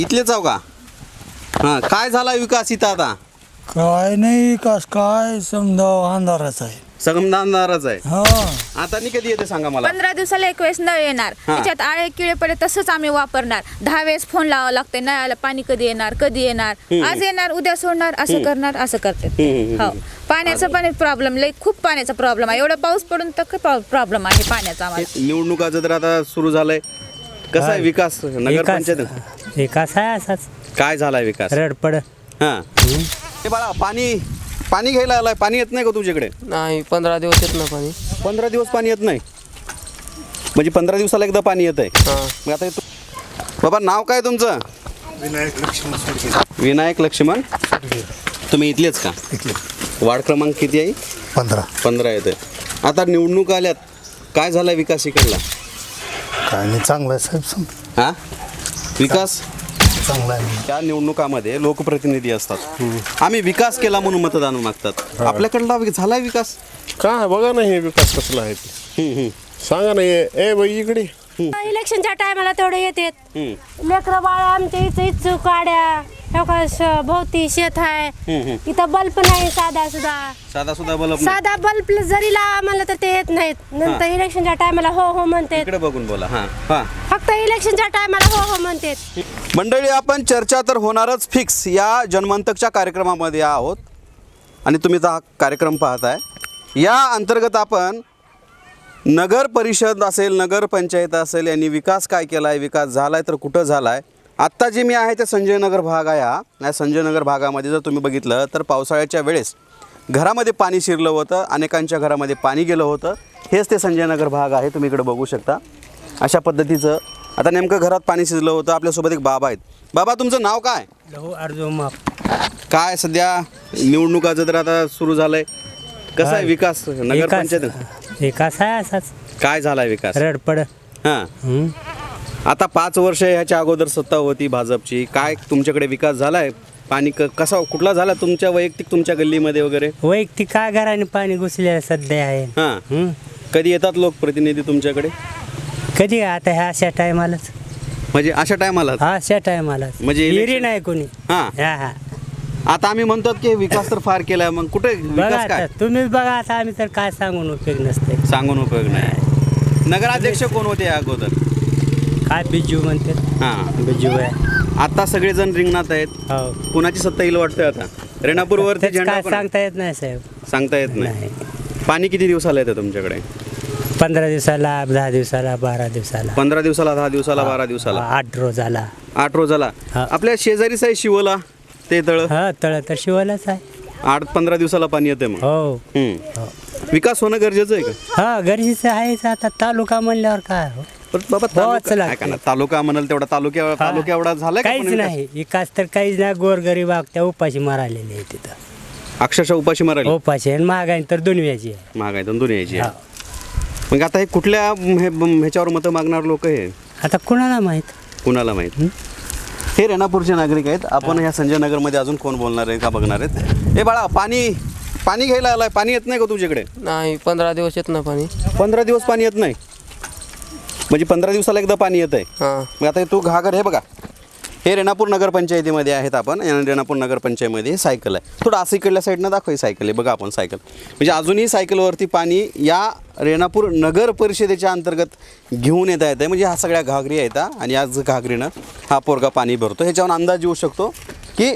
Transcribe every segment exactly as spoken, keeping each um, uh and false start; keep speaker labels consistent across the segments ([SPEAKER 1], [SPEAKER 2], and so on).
[SPEAKER 1] इथलेच आहो का? हां, काय झाला विकास इथं आता?
[SPEAKER 2] काय नाही विकास, काय समजा अंधारच आहे.
[SPEAKER 1] संगमदानदारच आहे.
[SPEAKER 2] हा
[SPEAKER 1] आता नाही कधी येते सांगा मला.
[SPEAKER 3] पंधरा दिवसाला एक वेळेस नळ येणार,
[SPEAKER 1] हा.
[SPEAKER 3] त्याच्यात आळे किळे पडे तसंच आम्ही वापरणार. दहा वेळेस फोन लावावं लागते, नळाला पाणी कधी येणार कधी येणार, आज येणार उद्या सोडणार, असं करणार असं करते. हो, पाण्याचा पण प्रॉब्लेम, लई खूप पाण्याचा प्रॉब्लेम आहे. एवढा पाऊस पडून तर प्रॉब्लेम आहे पाण्याचा आम्हाला.
[SPEAKER 1] निवडणुकाचं तर आता सुरू झालंय. कसा आहे विकास नगर पंचायत?
[SPEAKER 4] विकास आहे असाच
[SPEAKER 1] काय झालाय विकास?
[SPEAKER 4] रडपड.
[SPEAKER 1] हां, हे बाळा पाणी पाणी घ्यायला आलाय. पाणी येत नाही का तुझ्याकडे?
[SPEAKER 5] नाही, पंधरा दिवस येत ना पाणी.
[SPEAKER 1] पंधरा दिवस पाणी येत नाही म्हणजे पंधरा दिवसाला एकदा पाणी येत आहे.
[SPEAKER 5] हां.
[SPEAKER 1] मग आता तू बाबा नाव काय तुमचं?
[SPEAKER 2] विनायक लक्ष्मण
[SPEAKER 1] विनायक लक्ष्मण. तुम्ही इथलेच का? वार्ड क्रमांक किती आहे?
[SPEAKER 2] पंधरा.
[SPEAKER 1] पंधरा येते. आता निवडणूक आल्यात, काय झाला विकास इकडला?
[SPEAKER 2] काय नाही, चांगलं आहे साहेब. सम
[SPEAKER 1] हा, विकास
[SPEAKER 2] चांगला आहे.
[SPEAKER 1] त्या निवडणुकामध्ये लोकप्रतिनिधी असतात. आम्ही विकास केला म्हणून मतदान मागतात. आपल्याकडला वि- झालाय विकास?
[SPEAKER 6] काय बघा ना, हे विकास कसला आहे ते.
[SPEAKER 1] हम्म, हम्म,
[SPEAKER 6] सांगा ना, ए ए बाई इकडे.
[SPEAKER 7] इलेक्शनच्या टायमाला तेवढं येतात.
[SPEAKER 1] हम्म,
[SPEAKER 7] लेकरं बाळ आमच्या इथं इच्छू काड्या हो का, श- भोवती शेत आहे.
[SPEAKER 1] हम्म, हम्म.
[SPEAKER 7] इथं बल्ब नाही साधा सुद्धा.
[SPEAKER 1] साधा सुद्धा बलब नाही.
[SPEAKER 7] साधा बल्ब जरी लावा म्हणलं तर ते येत नाहीत. नंतर इलेक्शनच्या टायमाला हो हो म्हणतात.
[SPEAKER 1] इकडे बघून बोला. हा हा
[SPEAKER 7] फक्त इलेक्शनच्या टायमाला हो हो म्हणतात.
[SPEAKER 1] मंडळी, आपण चर्चा तर होणारच फिक्स या जन्मंतकच्या कार्यक्रमामध्ये आहोत आणि तुम्ही तर हा कार्यक्रम पाहताय. या अंतर्गत आपण नगर परिषद असेल, नगर पंचायत असेल, यांनी विकास काय केला आहे, विकास झाला आहे तर कुठं झाला आहे. आत्ता जे मी आहे ते संजय नगर भाग आहे. हा या संजय नगर भागामध्ये जर तुम्ही बघितलं तर पावसाळ्याच्या वेळेस घरामध्ये पाणी शिरलं होतं, अनेकांच्या घरामध्ये पाणी गेलं होतं. हेच ते संजय नगर भाग आहे. तुम्ही इकडे बघू शकता अशा पद्धतीचं. आता नेमकं घरात पाणी शिरलं होतं. आपल्यासोबत एक बाबा आहेत. बाबा, तुमचं नाव काय?
[SPEAKER 4] लहू अर्जो माप.
[SPEAKER 1] काय सध्या निवडणुकाचं तर आता सुरू झालंय. कसा आहे विकास नगर
[SPEAKER 4] विकास
[SPEAKER 1] पंचायत?
[SPEAKER 4] विकास आहे असाच
[SPEAKER 1] काय झालाय विकास?
[SPEAKER 4] रडपड.
[SPEAKER 1] हां,
[SPEAKER 4] हम्म.
[SPEAKER 1] आता पाच वर्ष ह्याच्या अगोदर सत्ता होती भाजपची. काय तुमच्याकडे विकास झालाय? पाणी क कसा कुठला झाला तुमच्या वैयक्तिक तुमच्या गल्लीमध्ये वगैरे?
[SPEAKER 4] वैयक्तिक काय घराने पाणी घुसलेलं सध्या आहे.
[SPEAKER 1] हां,
[SPEAKER 4] हम्म.
[SPEAKER 1] कधी येतात लोकप्रतिनिधी तुमच्याकडे?
[SPEAKER 4] कधी आता ह्या अशा टायमालाच
[SPEAKER 1] म्हणजे अशा टायमाला?
[SPEAKER 4] हा अशा टायमालाच
[SPEAKER 1] म्हणजे
[SPEAKER 4] हिरी
[SPEAKER 1] election-
[SPEAKER 4] नाही कोणी.
[SPEAKER 1] हां,
[SPEAKER 4] हा हा
[SPEAKER 1] आता आम्ही म्हणतो की विकास तर फार केलाय. मग कुठे
[SPEAKER 4] बघा
[SPEAKER 1] विकास काय?
[SPEAKER 4] आता तुम्हीच बघा. आता आम्ही तर काय सांगून उपयोग नसते.
[SPEAKER 1] सांगून उपयोग नाही. नगराध्यक्ष कोण होते या अगोदर?
[SPEAKER 4] काय बिजू म्हणते.
[SPEAKER 1] हां,
[SPEAKER 4] बिजू आहे.
[SPEAKER 1] आता सगळेजण रिंगणात आहेत.
[SPEAKER 4] हो,
[SPEAKER 1] कुणाची सत्ता येईल वाटतं आता? रेणापूरवरती
[SPEAKER 4] तेच
[SPEAKER 1] झेंडा
[SPEAKER 4] काय
[SPEAKER 1] कोण-
[SPEAKER 4] सांगता येत नाही साहेब.
[SPEAKER 1] सांगता येत नाही.
[SPEAKER 4] नाही.
[SPEAKER 1] पाणी किती दिवसाला येतं तुमच्याकडे?
[SPEAKER 4] पंधरा दिवसाला, दहा दिवसाला, बारा दिवसाला,
[SPEAKER 1] पंधरा दिवसाला, दहा दिवसाला, बारा दिवसाला,
[SPEAKER 4] आठ रोजाला.
[SPEAKER 1] आठ रोजाला.
[SPEAKER 4] हा.
[SPEAKER 1] आपल्या शेजारीच आहे शिवला ते तळ.
[SPEAKER 4] हा, तळ तर शिवायलाच आहे.
[SPEAKER 1] आठ पंधरा दिवसाला पाणी येते मग.
[SPEAKER 4] हो
[SPEAKER 1] हम्म.
[SPEAKER 4] हो.
[SPEAKER 1] विकास होणं गरजेचं आहे का?
[SPEAKER 4] हा, गरजेचं आहेच. आता तालुका म्हणल्यावर काय हो?
[SPEAKER 1] पण बाबा
[SPEAKER 4] होच
[SPEAKER 1] तालुका
[SPEAKER 4] लागते.
[SPEAKER 1] ऐका ना, तालुका म्हणाल तेवढा तालुक्या
[SPEAKER 4] हा.
[SPEAKER 1] तालुक्या एवढा झालाय का पण
[SPEAKER 4] काहीच
[SPEAKER 1] विकास?
[SPEAKER 4] नाही विकास तर काहीच नाही. गोरगरीब त्या उपाशी मारालेले आहे तिथं.
[SPEAKER 1] अक्षरशः उपाशी मारायला
[SPEAKER 4] उपाशी आणि महागाई तर दुनियाची आहे.
[SPEAKER 1] महागाई तर दुनियाची
[SPEAKER 4] हा.
[SPEAKER 1] आहे. मग आता हे कुठल्या हे- ह्याच्यावर मतं मागणार लोक हे
[SPEAKER 4] आता कुणाला माहित.
[SPEAKER 1] कुणाला माहित? हे रेणापूरचे नागरिक आहेत. आपण ह्या संजय नगरमध्ये अजून कोण बोलणार आहे का बघणार आहेत. हे बाळा, पाणी पाणी घ्यायला आलाय. पाणी येत नाही का तुझ्याकडे?
[SPEAKER 5] नाही, पंधरा दिवस येत ना पाणी.
[SPEAKER 1] पंधरा दिवस पाणी येत नाही म्हणजे पंधरा दिवसाला एकदा पाणी येत आहे.
[SPEAKER 5] हां.
[SPEAKER 1] मग आता तू घागर हे बघा, हे रेणापूर नगरपंचायतीमध्ये आहेत आपण. आणि रेणापूर नगरपंचायतीमध्ये सायकल आहे. थोडं असं इकडल्या साईडनं दाखव. ही सायकल आहे बघा. आपण सायकल म्हणजे अजूनही सायकलवरती पाणी या रेणापूर नगर परिषदेच्या अंतर्गत घेऊन येता येतं. म्हणजे ह्या सगळ्या घागरी आहेत हा. आणि याच घागरीनं हा पोरगा पाणी भरतो. ह्याच्यावर अंदाज येऊ शकतो की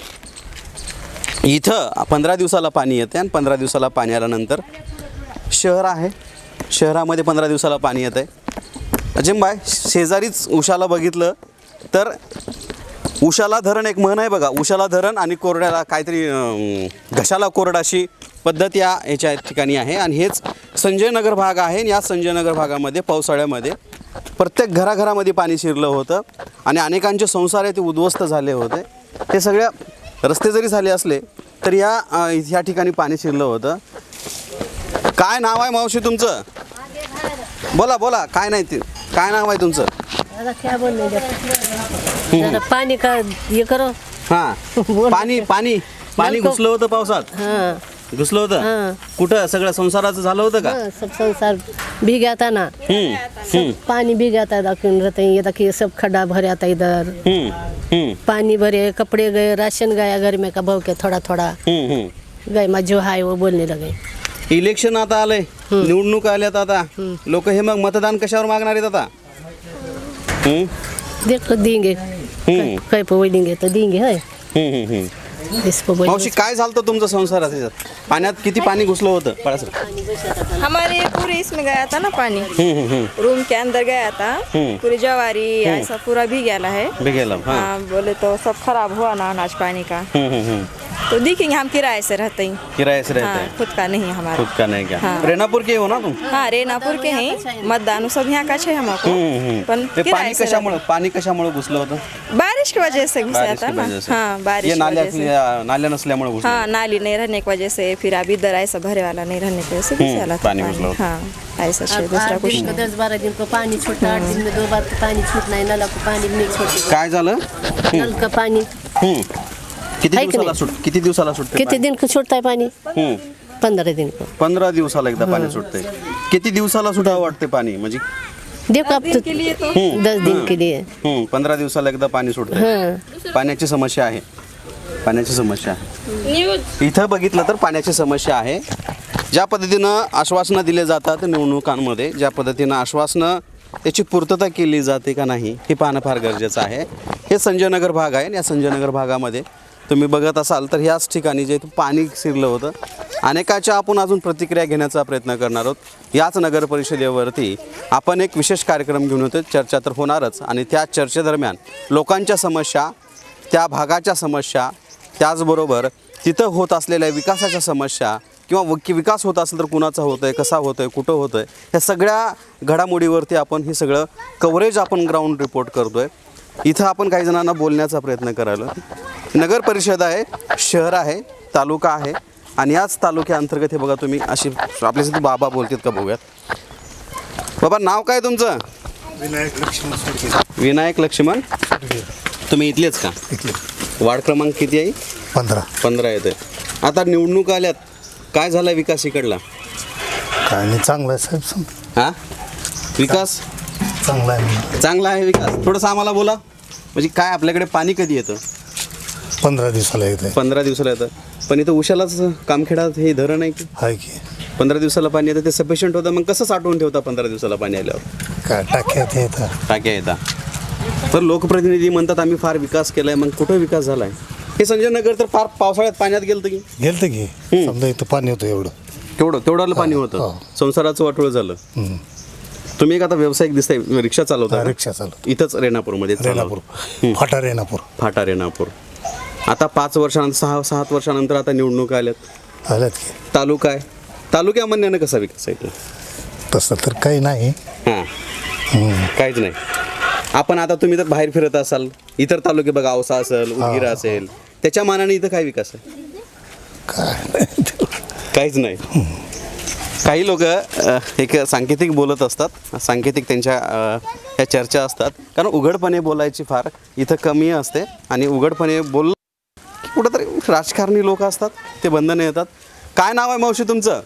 [SPEAKER 1] इथं पंधरा दिवसाला पाणी येते आणि पंधरा दिवसाला पाणी आल्यानंतर शहर आहे. शहरामध्ये पंधरा दिवसाला पाणी येतं आहे. अजिंबाय शेजारीच उशाला बघितलं तर उशाला धरण एक म्हण आहे बघा. उशाला धरण आणि कोरड्याला काहीतरी अं, घशाला कोरड अशी पद्धत या ह्याच्या ठिकाणी आहे. आणि हेच संजय नगर भाग आहे. आणि या संजय नगर भागामध्ये पावसाळ्यामध्ये प्रत्येक घराघरामध्ये पाणी शिरलं होतं आणि अनेकांचे संसार आहे ते उद्ध्वस्त झाले होते. हे सगळ्या रस्ते जरी झाले असले तर या अं, ह्या ठिकाणी पाणी शिरलं होतं. काय नाव आहे मावशी तुमचं? बोला बोला. काय नाही ते काय नाव आहे तुमचं?
[SPEAKER 7] पाणी का हे करो.
[SPEAKER 1] हां, पाणी पाणी पाणी घुसलं होतं पावसात. घुसलं होतं कुठं सगळं संसाराचं झालं होतं का?
[SPEAKER 8] हाँ, सब संसार भीग आता ना,
[SPEAKER 1] हम्म,
[SPEAKER 8] सब पानी भीग आता दाखिन रहते हैं। ये देखिए सब खड्डा भर आता इधर,
[SPEAKER 1] हम्म, हम्म,
[SPEAKER 8] पानी भरे, कपड़े गए, राशन गया घर में का भाव के थोड़ा थोड़ा
[SPEAKER 1] हम्म, हम्म.
[SPEAKER 8] गए। मैं जो है वो बोलने लगे।
[SPEAKER 1] इलेक्शन आता आलंय, निवडणूक आल्यात आता, लोक हे मग मतदान कशावर मागणार आहेत आता? हम्म,
[SPEAKER 8] देखो देंगे,
[SPEAKER 1] हम्म.
[SPEAKER 8] कहीं पे वो देंगे तो देंगे है,
[SPEAKER 1] हम्म, हम्म, हम्म.
[SPEAKER 8] इसको बोल।
[SPEAKER 1] मावशी काय झालं होतं तुमचं संसारात ह्याच्यात? पाण्यात किती पाणी घुसलं होतं? पळा सर.
[SPEAKER 9] हमारे पूरे इसमें गया था ना पानी, रूम के अंदर गया था, पूरी जवारी ऐसा पूरा भी गया है।
[SPEAKER 1] बिगेला हाँ.
[SPEAKER 9] हाँ, बोले तो सब खराब हुआ ना अनाज पानी का।
[SPEAKER 1] हम्म, हम्म, हम्म.
[SPEAKER 9] तो देखेंगे, हम किराए से रहते हैं।
[SPEAKER 1] किराए से रहते
[SPEAKER 9] हाँ,
[SPEAKER 1] हैं,
[SPEAKER 9] खुद का नहीं है हमारा।
[SPEAKER 1] खुद का नहीं क्या?
[SPEAKER 9] हाँ.
[SPEAKER 1] रेणापूर के हो ना तुम?
[SPEAKER 9] हाँ, रेनापुर के हैं, मतदान सब यहाँ का है हमको।
[SPEAKER 1] हम्म, हम्म.
[SPEAKER 9] पण
[SPEAKER 1] ते
[SPEAKER 9] किराए
[SPEAKER 1] पाणी
[SPEAKER 9] से
[SPEAKER 1] कशामुळे पाणी कशामुळे घुसलं होतं?
[SPEAKER 9] रहते- बारिश की वजह से घुसा
[SPEAKER 1] बारिश
[SPEAKER 9] था
[SPEAKER 1] की
[SPEAKER 9] ना।
[SPEAKER 1] वजह से.
[SPEAKER 9] हाँ, बारिश
[SPEAKER 1] ये
[SPEAKER 9] की
[SPEAKER 1] नाल्या
[SPEAKER 9] वजह से।
[SPEAKER 1] नाल्या नसल्यामुळे घुसलं.
[SPEAKER 9] हाँ, नाली नहीं रहने की वजह से, फिर अभी इधर ऐसा भरे वाला नहीं रहने की वजह से घुस वाला था
[SPEAKER 1] पानी घुसला होता.
[SPEAKER 9] हाँ, ऐसा
[SPEAKER 8] अब
[SPEAKER 9] है, दूसरा
[SPEAKER 8] आठ
[SPEAKER 9] कुछ
[SPEAKER 8] दिन को
[SPEAKER 9] नहीं।
[SPEAKER 8] दस बारह दिन को पानी छूटना, आठ दिन में दो बार तो पानी छूटना है, नल को पानी नहीं छोड़ते,
[SPEAKER 1] काय झालं?
[SPEAKER 8] नल का पानी
[SPEAKER 1] हम्म. किती
[SPEAKER 8] है की
[SPEAKER 1] दिवसाला
[SPEAKER 8] नाही?
[SPEAKER 1] सुट किती दिवसाला सुटते
[SPEAKER 8] कितने दिन को छूटता है पानी?
[SPEAKER 1] हम्म.
[SPEAKER 8] पंद्रह दिन को।
[SPEAKER 1] पंधरा दिवसाला एकदा पाणी सुटते. किती दिवसाला सुटावं वाटते पाणी म्हणजे?
[SPEAKER 8] देखो अब तो दस दिन के लिए।
[SPEAKER 1] हम्म. पंधरा दिवसाला एकदा पाणी सुटते.
[SPEAKER 8] हाँ,
[SPEAKER 1] पाण्याची समस्या आहे, पाण्याची समस्या आहे. इथं बघितलं तर पाण्याची समस्या आहे. ज्या पद्धतीनं आश्वासनं दिले जातात निवडणुकांमध्ये, ज्या पद्धतीनं आश्वासनं त्याची पूर्तता केली जाते का नाही हे पाहणं फार गरजेचं आहे. हे संजयनगर भाग आहे. या संजयनगर भागामध्ये तुम्ही बघत असाल तर ह्याच ठिकाणी जे पाणी शिरलं होतं. अनेकाच्या आपण अजून प्रतिक्रिया घेण्याचा प्रयत्न करणार आहोत. याच नगर परिषदेवरती आपण एक विशेष कार्यक्रम घेऊन होतो. चर्चा तर होणारच आणि त्या चर्चेदरम्यान लोकांच्या समस्या, त्या भागाच्या समस्या, त्याचबरोबर तिथं होत असलेल्या विकासाच्या समस्या किंवा वि विकास होत असेल तर कुणाचा होतोय, कसा होतोय, कुठं होतोय, ह्या सगळ्या घडामोडीवरती आपण हे सगळं कव्हरेज आपण ग्राउंड रिपोर्ट करतोय. इथं आपण काही जणांना बोलण्याचा प्रयत्न करायला. नगर परिषद आहे, शहर आहे, तालुका आहे आणि याच तालुक्याअंतर्गत हे बघा तुम्ही अशी आपल्यासाठी बाबा बोलतात का बघूयात. बाबा नाव काय तुमचं?
[SPEAKER 10] विनायक लक्ष्मण.
[SPEAKER 1] विनायक लक्ष्मण. तुम्ही इथलेच का? वार्ड क्रमांक किती आहे?
[SPEAKER 10] पंधरा.
[SPEAKER 1] पंधरा येते. आता निवडणूक आल्यात, काय झाला विकास इकडला?
[SPEAKER 10] काय नाही, चांगला आहे साहेब. सम-
[SPEAKER 1] हा विकास
[SPEAKER 10] चांगला आहे.
[SPEAKER 1] चांगला आहे विकास. थोडंसं आम्हाला बोला म्हणजे काय आपल्याकडे पाणी कधी येतं?
[SPEAKER 10] पंधरा दिवसाला येत आहे.
[SPEAKER 1] पंधरा दिवसाला येतं. पण इथं उशालाच कामखेडात हे धरण आहे की
[SPEAKER 10] आहे की
[SPEAKER 1] पंधरा दिवसाला पाणी येतं ते सफिशियंट होतं. मग कसं साठवून ठेवता पंधरा दिवसाला पाणी आल्यावर?
[SPEAKER 10] काय टाक्यात येतात.
[SPEAKER 1] टाक्या येतात. तर लोकप्रतिनिधी म्हणतात आम्ही फार विकास केलाय. मग कुठं विकास झालाय? हे संजय नगर तर फार पावसाळ्यात पाण्यात गेलं की
[SPEAKER 10] गेलं की समजा इथं पाणी होतं एवढं.
[SPEAKER 1] तेवढं तेवढं पाणी होतं.
[SPEAKER 10] हो.
[SPEAKER 1] संसाराचं वाटोळं झालं.
[SPEAKER 10] हम्म.
[SPEAKER 1] तुम्ही एक आता व्यावसायिक दिसताय, रिक्षा चालवता
[SPEAKER 10] हा,
[SPEAKER 1] का?
[SPEAKER 10] रिक्षा चालू
[SPEAKER 1] इथंच रेणापूरमध्ये
[SPEAKER 10] रेणापूर, फाटा रेणापूर.
[SPEAKER 1] फाटा रेणापूर. आता पाच वर्षानंतर सहा सात वर्षानंतर आता निवडणूक आल्यात.
[SPEAKER 10] आल्यात की
[SPEAKER 1] तालुका आहे, तालुक्या म्हणण्यानं कसा विकास आहे?
[SPEAKER 10] तसं तर काही नाही.
[SPEAKER 1] हां, काहीच नाही. आपण आता तुम्ही तर बाहेर फिरत असाल, इतर तालुके बघा, औसा असेल, उदगीर असेल, त्याच्या मानाने इथं काय विकास आहे?
[SPEAKER 10] काय नाही.
[SPEAKER 1] काहीच नाही. काही लोक एक सांकेतिक बोलत असतात, सांकेतिक त्यांच्या अ, ह्या चर्चा असतात, कारण उघडपणे बोलायची फार इथं कमी असते आणि उघडपणे बोल कुठंतरी राजकारणी लोक असतात ते बंधनं येतात. काय नाव आहे मावशी तुमचं?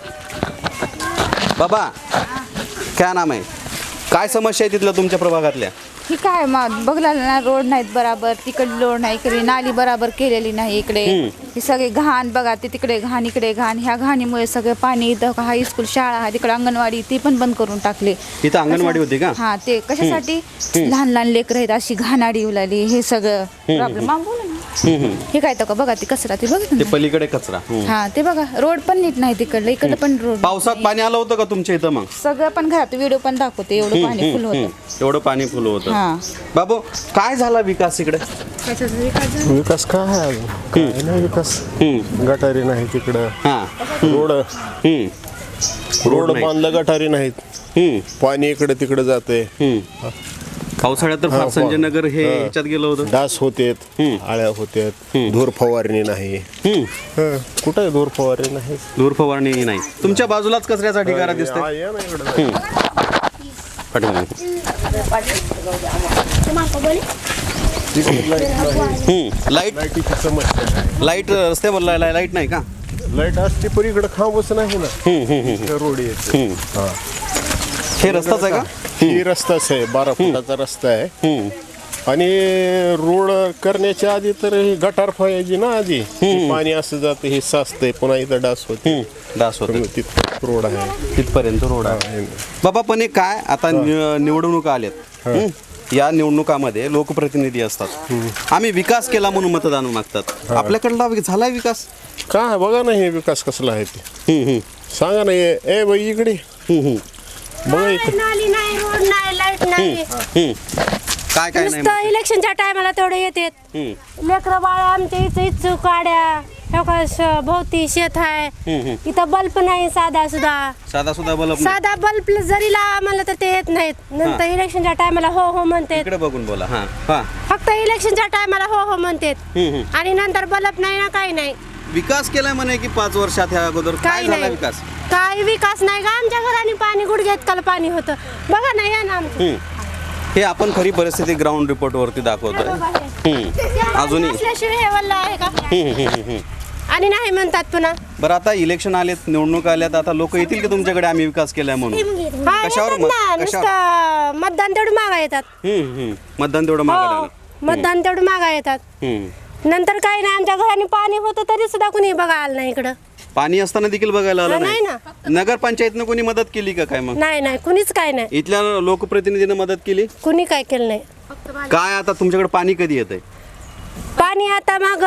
[SPEAKER 1] बाबा काय नाम आहे? काय समस्या आहे तिथलं तुमच्या प्रभागातल्या?
[SPEAKER 3] ही काय मा बघला ना, रोड नाहीत बराबर, तिकडे रोड नाही, इकडे नाली बराबर केलेली नाही. इकडे ही सगळे घाण बघा, ते तिकडे घाण, इकडे घाण. ह्या घाणीमुळे सगळं पाणी इथं हायस्कूल शाळा आहे, तिकडे अंगणवाडी ती पण बंद करून टाकली.
[SPEAKER 1] इथं अंगणवाडी होती का?
[SPEAKER 3] हा, ते कशासाठी? लहान लहान लेकरं आहेत, अशी घाणाडी उलाली, हे सगळं प्रॉब्लेम. बोला ना, हे काय तर बघा, ते कचरा ते बघा
[SPEAKER 1] ते पलीकडे कचरा.
[SPEAKER 3] हा, ते बघा, रोड पण नीट नाही तिकडलं, इकडलं पण रोड.
[SPEAKER 1] पावसात पाणी आलं होतं का तुमच्या इथं? मग
[SPEAKER 3] सगळं पण घरात व्हिडिओ पण दाखवते, एवढं पाणी फुल होतं.
[SPEAKER 1] एवढं पाणी फुल होतं.
[SPEAKER 3] हा.
[SPEAKER 1] बाबू काय झाला विकास इकडे?
[SPEAKER 6] विकास काय आहे अजून? काय नाही विकास. गटारी नाही तिकडं.
[SPEAKER 1] हा.
[SPEAKER 6] रोड
[SPEAKER 1] हम्म.
[SPEAKER 6] रोड
[SPEAKER 1] नाही.
[SPEAKER 6] बांधलं, गटारी नाहीत.
[SPEAKER 1] हम्म.
[SPEAKER 6] पाणी इकडे तिकडे जाते.
[SPEAKER 1] हम्म. पावसाळ्यात तर फार संजयनगर हे ह्याच्यात गेलं होतं.
[SPEAKER 6] डास होतेत, आळ्या होत्यात, धूर फवारणी नाही.
[SPEAKER 1] हम्म.
[SPEAKER 6] हं, कुठं आहे धूर फवारणी नाही?
[SPEAKER 1] धूर फवारणी नाही. तुमच्या बाजूलाच कचऱ्याचा ढिगारा
[SPEAKER 6] हा,
[SPEAKER 1] दिसतोय.
[SPEAKER 6] या ना इकडं.
[SPEAKER 1] लाईट
[SPEAKER 6] लाईटीची समस्या आहे.
[SPEAKER 1] लाईट रस्त्यावर लाईट नाही का?
[SPEAKER 6] लाईट असते पण इकडे खांबच नाही ना रोड येते हा
[SPEAKER 1] हे रस्ताच आहे का?
[SPEAKER 6] ही रस्ताच आहे बारा फुटाचा रस्ता आहे आणि रोड करण्याच्या आधी तर ही गटार फळायची ना आधी पाणी असं जातं हे साचतंय पुन्हा इथं डास होते
[SPEAKER 1] डास होते
[SPEAKER 6] तिथं रोड आहे
[SPEAKER 1] तिथपर्यंत रोड आहे. बाबा पण हे काय आता नि- निवडणुका आल्यात हं? या निवडणुकामध्ये लोकप्रतिनिधी असतात. आम्ही विकास केला म्हणून मतदान मागतात. आपल्याकडला झालाय विकास?
[SPEAKER 6] काय बघा ना हे विकास कसला आहे ते
[SPEAKER 1] हं, हं.
[SPEAKER 6] सांगा ना ए ए बाई इकडे
[SPEAKER 1] हं, हं.
[SPEAKER 6] बघा इकडे
[SPEAKER 7] नाली नाही रोड नाही लाईट नाही
[SPEAKER 1] हं. काय काय नाही
[SPEAKER 7] नुसतं इलेक्शनच्या टायमाला तेवढे येतात
[SPEAKER 1] हं.
[SPEAKER 7] लेकरं बाळा आमच्या इथं इच्छू काड्या हो का श- भोवती शेत आहे इथं बल्ब नाही साधा सुद्धा
[SPEAKER 1] साधा सुद्धा बल्ब
[SPEAKER 7] साधा बल्ब जरी लावा म्हणलं तर ते येत नाहीत नंतर इलेक्शनच्या टायमाला हो हो म्हणतात
[SPEAKER 1] इकडे बघून बोला. हा हा
[SPEAKER 7] फक्त इलेक्शनच्या टायमाला हो हो म्हणतात
[SPEAKER 1] हं, हं.
[SPEAKER 7] आणि नंतर बल्ब नाही ना काही नाही
[SPEAKER 1] विकास केलाय म्हणे की पाच वर्षात ह्या अगोदर काय
[SPEAKER 7] काही
[SPEAKER 1] झाला
[SPEAKER 7] नाही
[SPEAKER 1] विकास?
[SPEAKER 7] काही विकास नाही का आमच्या घराने पाणी गुडघ्यात काल पाणी होतं बघा ना या ना आमचं
[SPEAKER 1] हं. हे आपण खरी परिस्थिती ग्राउंड रिपोर्ट वरती दाखवतोय. हं. अजूनही
[SPEAKER 7] असल्याशिवाय हे वल्ल आहे का
[SPEAKER 1] हं, हं, हं, हं.
[SPEAKER 7] आणि नाही म्हणतात पुन्हा
[SPEAKER 1] बरं आता इलेक्शन आलेत निवडणूक आल्यात आता लोक येतील की तुमच्याकडे आम्ही विकास केलाय म्हणून?
[SPEAKER 7] हा,
[SPEAKER 1] कशावर
[SPEAKER 7] येतात
[SPEAKER 1] मत-
[SPEAKER 7] ना
[SPEAKER 1] कशावर?
[SPEAKER 7] नुसतं मतदान तेवढं मागा येतात
[SPEAKER 1] हं, हं. मतदान तेवढं मागायला
[SPEAKER 7] हो
[SPEAKER 1] लागलं.
[SPEAKER 7] मतदान तेवढं मागा येतात
[SPEAKER 1] हं.
[SPEAKER 7] नंतर काही नाही आमच्या घराने पाणी होतं तरी सुद्धा कुणी बघा आलं नाही इकडं
[SPEAKER 1] पाणी असताना देखील बघायला आलं
[SPEAKER 7] नाही
[SPEAKER 1] नाही. नगरपंचायतनं कोणी मदत केली का काय मग?
[SPEAKER 7] नाही नाही कुणीच काय नाही
[SPEAKER 1] इथल्या लोकप्रतिनिधीनं मदत केली?
[SPEAKER 7] कुणी काय केलं नाही
[SPEAKER 1] काय आता तुमच्याकडे पाणी कधी येतंय?
[SPEAKER 7] पाणी आता मग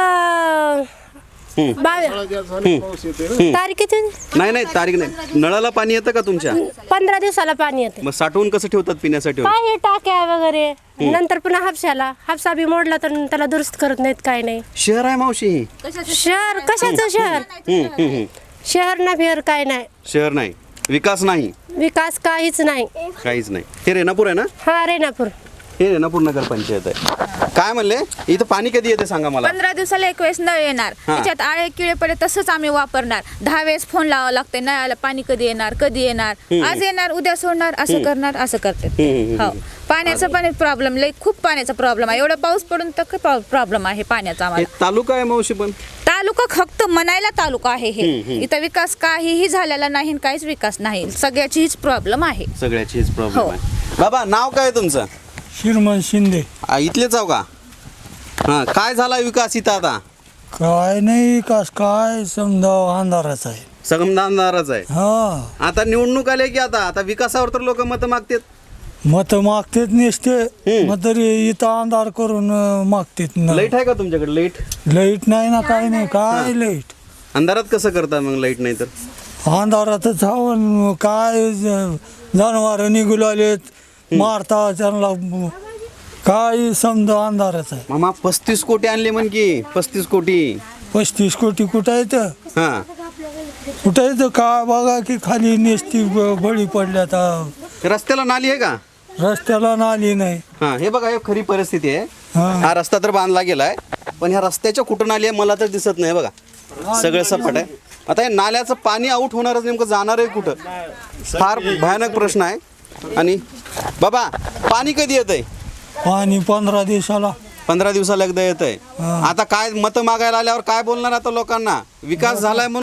[SPEAKER 7] तारीख किती
[SPEAKER 1] नाही नाही तारीख नाही. नळाला पाणी येतं का तुमच्या?
[SPEAKER 7] पंधरा दिवसाला पाणी येते
[SPEAKER 1] मग साठवून कसं ठेवतात पिण्यासाठी?
[SPEAKER 7] काय हे टाक्या वगैरे नंतर पुन्हा हापशाला हापसा बी मोडला तर त्याला दुरुस्त करत नाहीत काय नाही
[SPEAKER 1] शहर आहे मावशी ही?
[SPEAKER 7] शहर कशाचं शहर
[SPEAKER 1] हं, हं, हं.
[SPEAKER 7] शहर ना फिर काय नाही
[SPEAKER 1] शहर नाही, विकास नाही,
[SPEAKER 7] विकास काहीच नाही
[SPEAKER 1] काहीच नाही. हे रेणापूर आहे ना?
[SPEAKER 7] हा रेणापूर
[SPEAKER 1] हे रेणापूर नगर पंचायत आहे. काय म्हणले इथं पाणी कधी येते सांगा मला?
[SPEAKER 3] पंधरा दिवसाला एक वेळेस नळ येणार त्याच्यात आळे किळे पडे तसंच आम्ही वापरणार. दहा वेळेस फोन लावावं लागते नळाला पाणी कधी येणार कधी येणार आज येणार उद्या सोडणार असं करणार असं करतात. हो पाण्याचा पण प्रॉब्लेम लई खूप पाण्याचा प्रॉब्लेम आहे. एवढा पाऊस पडून तर प्रॉब्लेम आहे पाण्याचा
[SPEAKER 1] हे
[SPEAKER 3] आम्हाला.
[SPEAKER 1] तालुका आहे मावशी पण?
[SPEAKER 3] तालुका फक्त म्हणायला तालुका आहे हे. इथं विकास काहीही झालेला नाही काहीच विकास नाही सगळ्याचीच प्रॉब्लेम आहे.
[SPEAKER 1] सगळ्याचीच प्रॉब्लेम
[SPEAKER 3] हो.
[SPEAKER 1] आहे. बाबा नाव काय तुमचं?
[SPEAKER 2] श्रीमंत शिंदे.
[SPEAKER 1] आ, इथलेच आहो का? हा काय झाला विकास इथं आता?
[SPEAKER 2] काय नाही विकास काय समजा अंधाराच आहे.
[SPEAKER 1] संगमदानदारच आहे.
[SPEAKER 2] हा
[SPEAKER 1] आता निवडणूक आले की आता आता विकासावर तर लोक मत मागतात.
[SPEAKER 2] मत मागतेत नसते मग तरी इथं अंधार करून अं, मागतेत ना.
[SPEAKER 1] लाईट आहे का तुमच्याकडे? लाईट
[SPEAKER 2] लाईट नाही ना काय नाही काय लाईट
[SPEAKER 1] अंधारात कसं करता मग लाईट नाही तर?
[SPEAKER 2] अंधारातच हवं काय जनावर निघू आलेत मारता त्यांना काय समजा अंधारच आहे.
[SPEAKER 1] मामा पस्तीस कोटी आणले म्हण की पस्तीस कोटी.
[SPEAKER 2] पस्तीस कोटी कुठं येतं
[SPEAKER 1] हा
[SPEAKER 2] कुठं येतं काय बघा की खाली नेसती ब- बळी पडल्या तर
[SPEAKER 1] रस्त्याला नाली आहे का?
[SPEAKER 2] रस्त्याला नाली नाही.
[SPEAKER 1] हा हे बघा हे खरी परिस्थिती आहे.
[SPEAKER 2] हा.
[SPEAKER 1] हा रस्ता तर बांधला गेलाय पण ह्या रस्त्याच्या कुठं नाली आहे मला तर दिसत नाही बघा. सगळं सपाट आहे. आता हे नाल्याचं पाणी आऊट होणारच नेमकं जाणार आहे कुठं? फार भयानक प्रश्न आहे. आणि बाबा पाणी कधी येतंय?
[SPEAKER 2] पाणी पंधरा दिवसाला
[SPEAKER 1] पंधरा दिवसाला एकदा येतंय. आता काय मत मागायला आल्यावर काय बोलणार आता लोकांना? विकास झालाय म्हणून